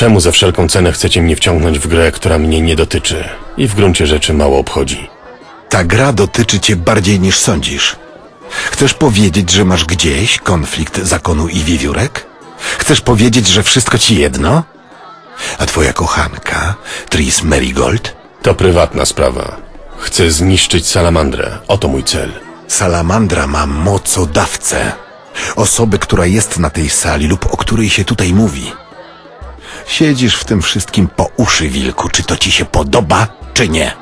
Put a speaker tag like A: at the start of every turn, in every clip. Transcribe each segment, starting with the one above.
A: Czemu za wszelką cenę chcecie mnie wciągnąć w grę, która mnie nie dotyczy i w gruncie rzeczy mało obchodzi?
B: Ta gra dotyczy cię bardziej niż sądzisz. Chcesz powiedzieć, że masz gdzieś konflikt zakonu i wiewiórek? Chcesz powiedzieć, że wszystko ci jedno? A twoja kochanka, Tris Merigold?
A: To prywatna sprawa. Chcę zniszczyć salamandrę. Oto mój cel.
B: Salamandra ma mocodawcę. Osobę, która jest na tej sali lub o której się tutaj mówi. Siedzisz w tym wszystkim po uszy, wilku. Czy to ci się podoba, czy nie?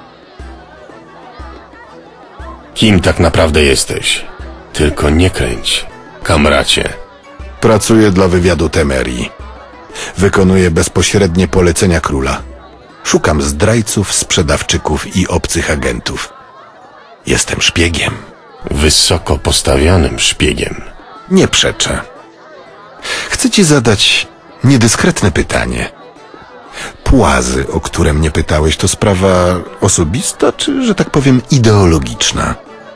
A: Kim tak naprawdę jesteś? Tylko nie kręć, kamracie.
B: Pracuję dla wywiadu Temerii. Wykonuję bezpośrednie polecenia króla. Szukam zdrajców, sprzedawczyków i obcych agentów. Jestem szpiegiem.
A: Wysoko postawianym szpiegiem.
B: Nie przeczę. Chcę ci zadać niedyskretne pytanie. Płazy, o które mnie pytałeś, to sprawa osobista, czy, że tak powiem, ideologiczna?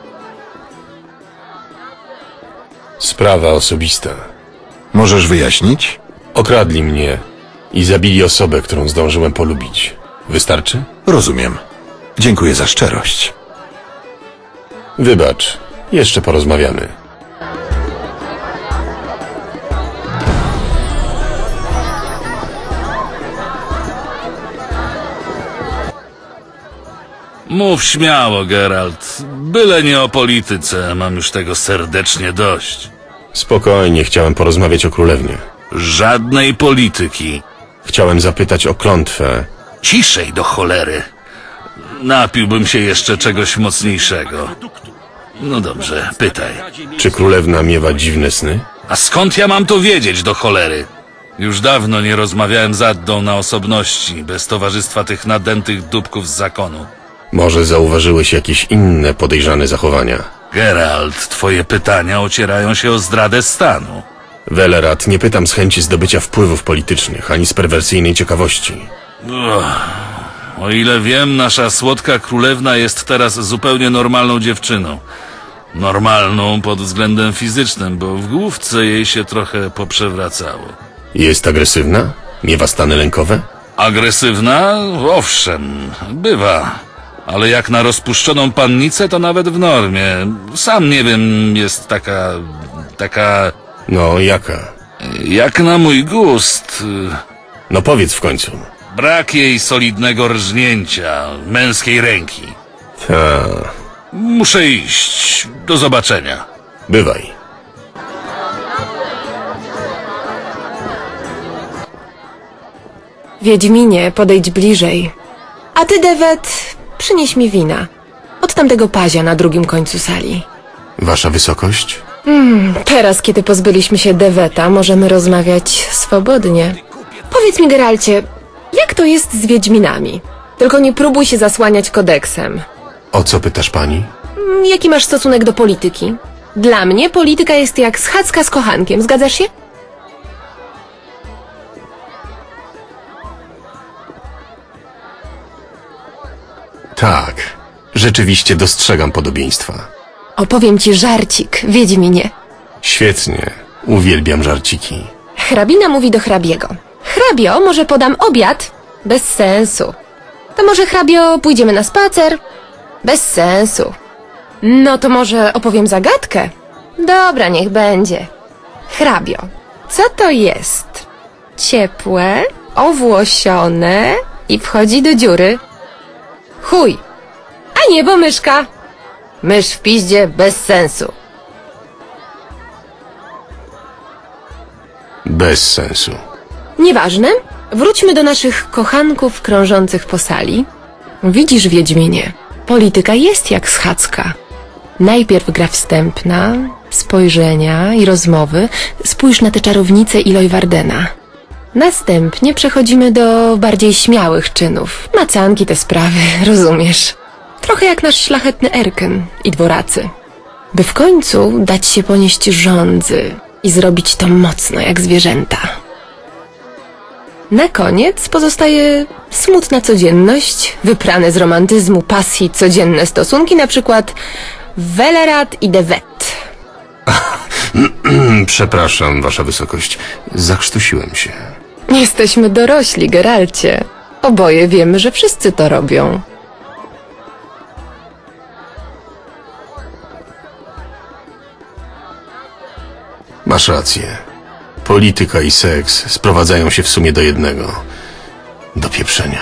A: Sprawa osobista.
B: Możesz wyjaśnić?
A: Okradli mnie i zabili osobę, którą zdążyłem polubić. Wystarczy?
B: Rozumiem. Dziękuję za szczerość.
A: Wybacz, jeszcze porozmawiamy.
C: Mów śmiało, Geralt. Byle nie o polityce, mam już tego serdecznie dość.
A: Spokojnie, chciałem porozmawiać o królewnie.
C: Żadnej polityki.
A: Chciałem zapytać o klątwę.
C: Ciszej do cholery. Napiłbym się jeszcze czegoś mocniejszego. No dobrze, pytaj.
A: Czy królewna miewa dziwne sny?
C: A skąd ja mam to wiedzieć, do cholery? Już dawno nie rozmawiałem z Addą na osobności, bez towarzystwa tych nadętych dupków z zakonu.
A: Może zauważyłeś jakieś inne podejrzane zachowania?
C: Geralt, twoje pytania ocierają się o zdradę stanu.
A: Welerat, nie pytam z chęci zdobycia wpływów politycznych, ani z perwersyjnej ciekawości.
C: O ile wiem, nasza słodka królewna jest teraz zupełnie normalną dziewczyną. Normalną pod względem fizycznym, bo w główce jej się trochę poprzewracało.
A: Jest agresywna? Miewa stany lękowe?
C: Agresywna? Owszem, bywa. Ale jak na rozpuszczoną pannicę, to nawet w normie. Sam nie wiem, jest taka...
A: No, jaka?
C: Jak na mój gust.
A: No powiedz w końcu.
C: Brak jej solidnego rżnięcia, męskiej ręki.
A: Ta.
C: Muszę iść. Do zobaczenia.
A: Bywaj.
D: Wiedźminie, podejdź bliżej. A ty, Dewet, przynieś mi wina. Od tamtego pazia na drugim końcu sali.
A: Wasza wysokość?
D: Teraz, kiedy pozbyliśmy się Deweta, możemy rozmawiać swobodnie. Powiedz mi, Geralcie, jak to jest z Wiedźminami? Tylko nie próbuj się zasłaniać kodeksem.
A: O co pytasz pani?
D: Jaki masz stosunek do polityki? Dla mnie polityka jest jak schadzka z kochankiem, zgadzasz się?
A: Tak. Rzeczywiście dostrzegam podobieństwa.
D: Opowiem ci żarcik, Wiedźminie.
A: Świetnie. Uwielbiam żarciki.
D: Hrabina mówi do hrabiego. Hrabio, może podam obiad? Bez sensu. To może, hrabio, pójdziemy na spacer? Bez sensu. No to może opowiem zagadkę? Dobra, niech będzie. Hrabio, co to jest? Ciepłe, owłosione i wchodzi do dziury. Chuj. A nie, bo myszka. Mysz w piździe bez sensu.
A: Bez sensu.
D: Nieważne. Wróćmy do naszych kochanków krążących po sali. Widzisz, Wiedźminie, polityka jest jak schadzka. Najpierw gra wstępna, spojrzenia i rozmowy. Spójrz na tę czarownicę Iloy Wardena. Następnie przechodzimy do bardziej śmiałych czynów. Macanki, te sprawy, rozumiesz. Trochę jak nasz szlachetny Erken i dworacy. By w końcu dać się ponieść żądzy i zrobić to mocno jak zwierzęta. Na koniec pozostaje smutna codzienność, wyprane z romantyzmu, pasji, codzienne stosunki, na przykład Welerat i Dewet.
A: Przepraszam, wasza wysokość. Zakrztusiłem się.
D: Jesteśmy dorośli, Geralcie. Oboje wiemy, że wszyscy to robią.
A: Masz rację. Polityka i seks sprowadzają się w sumie do jednego. Do pieprzenia.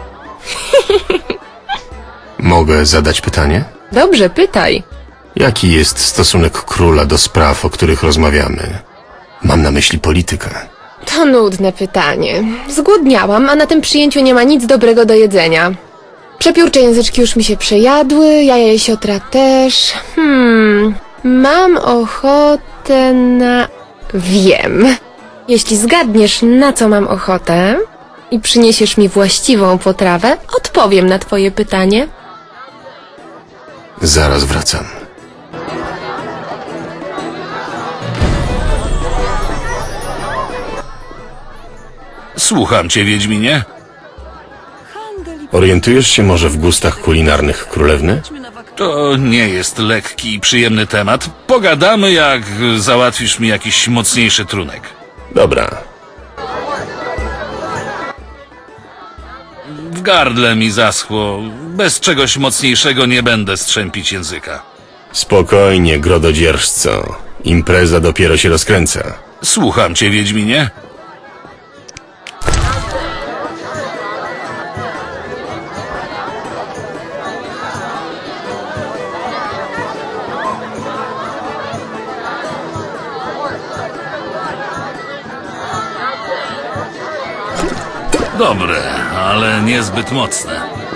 A: Mogę zadać pytanie?
D: Dobrze, pytaj.
A: Jaki jest stosunek króla do spraw, o których rozmawiamy? Mam na myśli politykę.
D: To nudne pytanie. Zgłodniałam, a na tym przyjęciu nie ma nic dobrego do jedzenia. Przepiórcze języczki już mi się przejadły, jaja jesiotra też. Mam ochotę na... Wiem. Jeśli zgadniesz, na co mam ochotę i przyniesiesz mi właściwą potrawę, odpowiem na twoje pytanie.
A: Zaraz wracam.
C: Słucham cię, Wiedźminie.
A: Orientujesz się może w gustach kulinarnych królewny?
C: To nie jest lekki i przyjemny temat. Pogadamy, jak załatwisz mi jakiś mocniejszy trunek.
A: Dobra.
C: W gardle mi zaschło. Bez czegoś mocniejszego nie będę strzępić języka.
A: Spokojnie, grododzierżco. Impreza dopiero się rozkręca.
C: Słucham cię, Wiedźminie. Dobre, ale niezbyt mocne.